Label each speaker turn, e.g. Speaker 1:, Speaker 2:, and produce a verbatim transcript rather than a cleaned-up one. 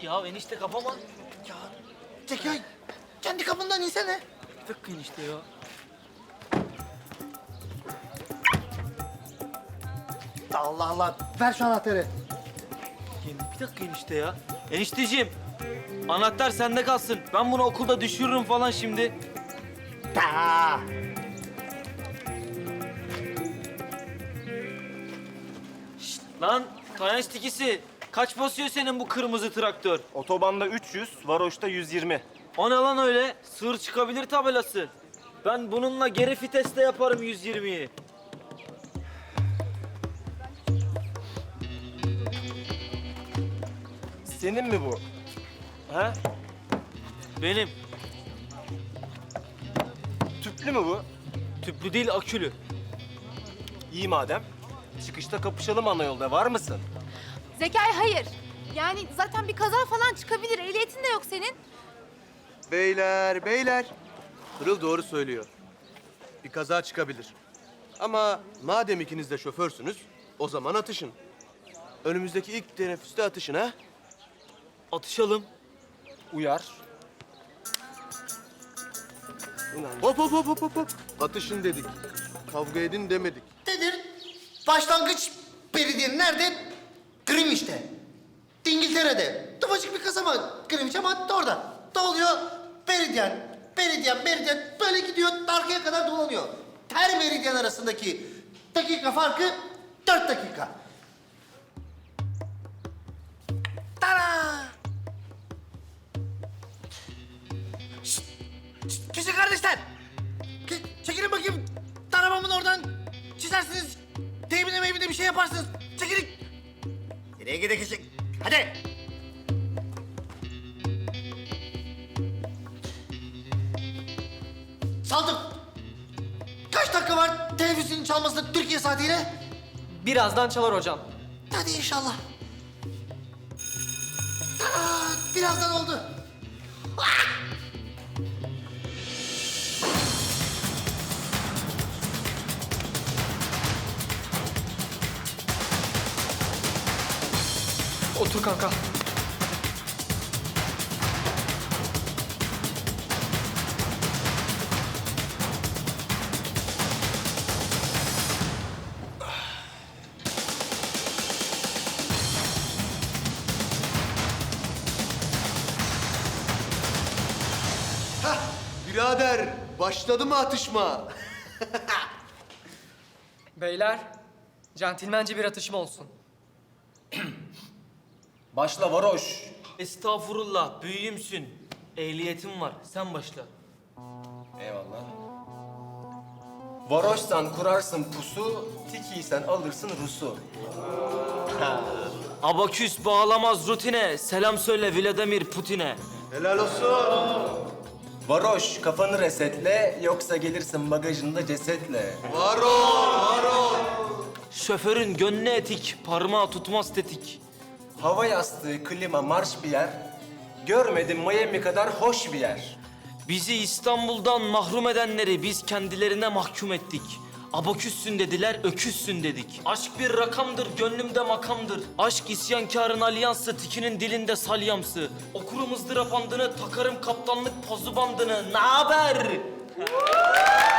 Speaker 1: Ya enişte kapama.
Speaker 2: Ya Zekai, kendi kapından insene.
Speaker 1: Bir dakika enişte ya.
Speaker 2: Allah Allah, ver şu anahtarı.
Speaker 1: Ya bir dakika enişte ya. Enişteciğim, anahtar sende kalsın. Ben bunu okulda düşürürüm falan şimdi.
Speaker 2: Ta.
Speaker 1: Şşt, lan Tayanç tikisi. Kaç basıyor senin bu kırmızı traktör?
Speaker 3: Otobanda üç yüz, varoşta yüz yirmi.
Speaker 1: O ne lan öyle? Sığır çıkabilir tabelası. Ben bununla geri viteste yaparım yüz yirmiyi.
Speaker 3: Senin mi bu?
Speaker 1: He? Benim.
Speaker 3: Tüplü mü bu?
Speaker 1: Tüplü değil, akülü.
Speaker 3: İyi madem. Çıkışta kapışalım ana yolda. Var mısın?
Speaker 4: Zekai hayır. Yani zaten bir kaza falan çıkabilir. Ehliyetin de yok senin.
Speaker 5: Beyler, beyler. Pırıl doğru söylüyor. Bir kaza çıkabilir. Ama madem ikiniz de şoförsünüz, o zaman atışın. Önümüzdeki ilk teneffüste atışın ha?
Speaker 1: Atışalım.
Speaker 3: Uyar.
Speaker 5: Hop hop hop hop hop hop. Atışın dedik. Kavga edin demedik.
Speaker 2: Nedir? Başlangıç belediyenin nerede? Greenwich'te. İngiltere'de. Ufacık bir kasaba Greenwich ama orada. Doluyor. Meridyen, meridyen, meridyen böyle gidiyor. Arkaya kadar dolanıyor. Her meridyen arasındaki dakika farkı dört dakika. Tara! Şşt! Şşt! Küçük kardeşler! Ke- Çekilin bakayım. Tarafımın oradan çizersiniz. Teybine meybine bir şey yaparsınız. Çekilin. Nereye gidecek? Hadi. Saldım. Kaç dakika var teneffüsünün çalmasına Türkiye saatiyle?
Speaker 6: Birazdan çalar hocam.
Speaker 2: Hadi inşallah. Aa, birazdan oldu.
Speaker 6: Otur kanka.
Speaker 5: Birader, başladı mı atışma?
Speaker 6: Beyler, centilmence bir atışma olsun.
Speaker 3: Başla varoş.
Speaker 1: Estağfurullah, büyüğümsün. Ehliyetim var, sen başla.
Speaker 3: Eyvallah. Varoşsan kurarsın pusu, tikiysen alırsın Rus'u.
Speaker 1: Abaküs bağlamaz rutine, selam söyle Vladimir Putin'e.
Speaker 5: Helal olsun.
Speaker 3: Varoş kafanı resetle, yoksa gelirsin bagajında cesetle.
Speaker 5: Var ol, var ol.
Speaker 1: Şoförün gönlü etik, parmağı tutmaz tetik.
Speaker 3: Hava yastığı, klima, marş bir yer. Görmedim Miami kadar hoş bir yer.
Speaker 1: Bizi İstanbul'dan mahrum edenleri biz kendilerine mahkum ettik. Abaküssün dediler, öküzsün dedik. Aşk bir rakamdır, gönlümde makamdır. Aşk isyankarın alyansı, tikinin dilinde salyamsı. Okurum ızdırap andını, takarım kaptanlık pozu bandını. Naber?